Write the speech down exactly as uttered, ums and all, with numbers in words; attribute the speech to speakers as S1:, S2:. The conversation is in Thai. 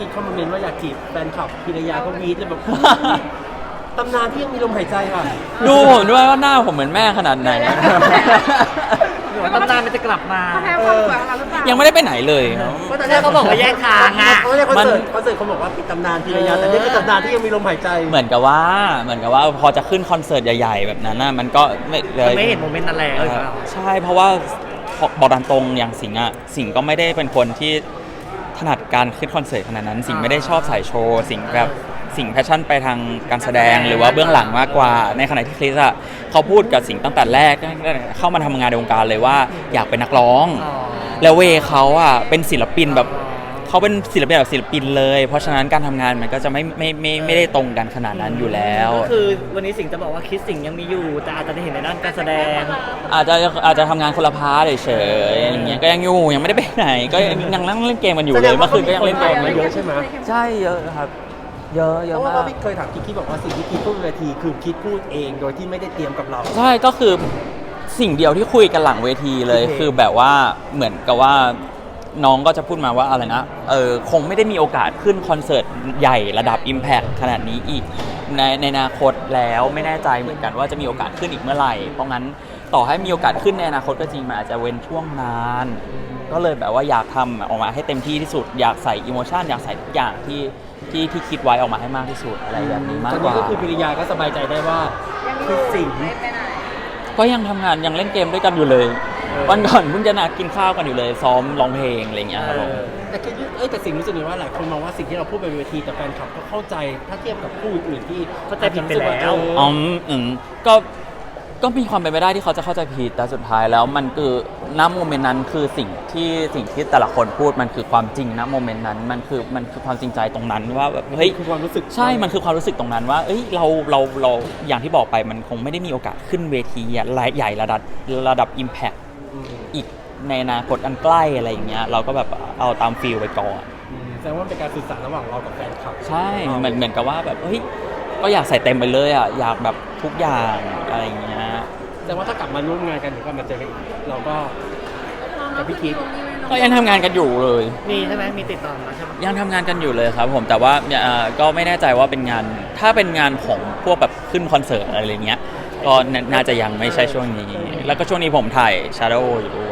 S1: กิ๊กเข้ามาเมนว่าอยากจีบแฟนคลับพิรยาก็วีดเลยแบบตำนานที่ยังมีลมหายใจค่ะ
S2: ดูผมด้วยว่าหน้าผมเหมือนแม่ขนาดไหน
S3: หรือว่าตำนานมันจะกลับมา
S4: เขาแพ้ความสวยของเราหรือเปล่า
S2: ยังไม่ได้ไปไหนเลยครับ
S1: เพราะตอน
S3: แรกเขาบอกว่าแยกทางอะ
S1: เพราะในคอนเสิร์ตคอนเสิร์ตเขาบอกว่าปิดตำนานพิรยาแต่นี่คือตำนานที่ยังมีลมหายใจ
S2: เหมือนกับว่าเหมือนกับว่าพอจะขึ้นคอนเสิร์ตใหญ่ๆแบบนั้นน่ะมันก็ไม่เลย
S3: ไม่เห็นโมเมนต์นั้นแล้วหรือเปล่า
S2: ใช่เพราะว่าบอกตามตรงอย่างสิงห์อ่ะสิงห์ก็ไม่ได้เป็นคนที่ถนัดการขึ้นคอนเสิร์ตขนาดนั้นสิงห์ไม่ได้ชอบสายโชว์สิงห์แบบสิงห์แพชชั่นไปทางการแสดงหรือว่าเบื้องหลังมากกว่าในขณะที่คริสอ่ะเขาพูดกับสิงห์ตั้งแต่แรกเข้ามาทำงานในวงการเลยว่าอยากเป็นนักร้องแล้วเวเขาอ่ะเป็นศิลปินแบบเขาเป็นศิลปินแบบศิลปินเลยเพราะฉะนั้นการทำงานมันก็จะไม่ไม่ไม่ไม่ได้ตรงกันขนาดนั้นอยู่แล้ว
S3: ก็คือวันนี้สิงห์จะบอกว่าคิดสิงห์ยังมีอยู่แต่อาจจะได้เห็นในด้านการแสดง
S2: อาจจะอาจจะทำงานคนละพาร์ทเฉยๆอย่างเงี้ยก็ยังอยู่ยังไม่ได้ไปไหนก็ยังนั่งเล่นเกมกันอยู่เลยเมื่อคืนก็ยังเล่นเกม
S1: มาเยอะใช่ไหม
S2: ใช่เยอะครับเยอะเย
S1: เพ
S2: อะ
S1: ราะ
S2: มา
S1: ว่าก พี่เคยถามกิ๊กบอกว่าสิ่งที่กิ๊กพูดบนเวทีคือกิ๊กพูดเองโดยที่ไม่ได้เตรียมกับเรา
S2: ใช่ก็คือสิ่งเดียวที่คุยกันหลังเวทีเลยคือแบบว่าเหมือนกับว่าน้องก็จะพูดมาว่าอะไรนะเออคงไม่ได้มีโอกาสขึ้นคอนเสิร์ตใหญ่ระดับ Impact ขนาดนี้อีกในในอนาคตแล้วไม่แน่ใจเหมือนกันว่าจะมีโอกาสขึ้นอีกเมื่อไหร่เพราะงั้นต่อให้มีโอกาสขึ้นในอนาคตก็จริงมันอาจจะเว้นช่วงนานก็เลยแบบว่าอยากทำออกมาให้เต็มที่ที่สุดอยากใส่อิโมชันอยากใส่ทุกอย่างที่ที่ที่คิดไว้ออกมาให้มากที่สุดอะไรแบบนี้มากกว่า
S1: ตอนนี้ก็คือพิรยาก็สบายใจได้ว่าคือสิ่ง
S2: ก็ยังทำงานยังเล่นเกมด้วยกันอยู่เลยวันก่อนเพิ่งจะนัดกินข้าวกันอยู่เลยซ้อมร้องเพลงอะไรอย่างเงี้ยครับผม
S1: แต่คิดเอ้ยแต่สิ่งรู้สึกว่าหลายคนมองว่าสิ่งที่เราพูดบนเวทีแต่แฟนคลับก็เข้าใจถ้าเทียบกับผู้อื่นที่
S3: เข้าใจผิดไปแล้ว
S2: อ๋ออืมก็ก็มีความเป็นไปได้ที่เขาจะเข้าใจผิดแต่สุดท้ายแล้วมันคือณโมเมนต์นั้นคือสิ่งที่สิ่งที่แต่ละคนพูดมันคือความจริงณโมเมนต์นั้นมันคือมันคือความจริงใจตรงนั้นว่าแบบเฮ้ย
S1: คือความรู้สึก
S2: ใช่มันคือความรู้สึกตรงนั้นว่าเอ้ยเราเราเราอย่างที่บอกไปมันคงไม่ได้มีโอกาสขึ้นเวทีใหญ่ระดับระดับ Impact อีกในอนาคตอันใกล้อะไรอย่างเงี้ยเราก็แบบเอาตามฟีลไปก่อน
S1: แสดงว่าเป็นการสื่อสารระหว่างเรากับแฟนคลับ
S2: ใช่เหมือนเหมือนกับว่าแบบเฮ้ยก็อยากใส่เต็มไปเลยอ่ะอยากแบบทุกอย่างอะไรอย่างเงี้ย
S1: แต่ว่าถ้ากลับมาร่วมงานกันหรือว่ามาเจอกันเราก็กับพี่คิด
S2: ก็ยังทำงานกันอยู่เลย
S3: มีใช่ไหมมีติดต่อมาใช่ไหม
S2: ยังทำงานกันอยู่เลยครับผมแต่ว่าก็ไม่แน่ใจว่าเป็นงานถ้าเป็นงานของพวกแบบขึ้นคอนเสิร์ตอะไรเงี้ยก็น่าจะยังไม่ใช่ช่วงนี้แล้วก็ช่วงนี้ผมถ่าย Shadow อยู่ด้วย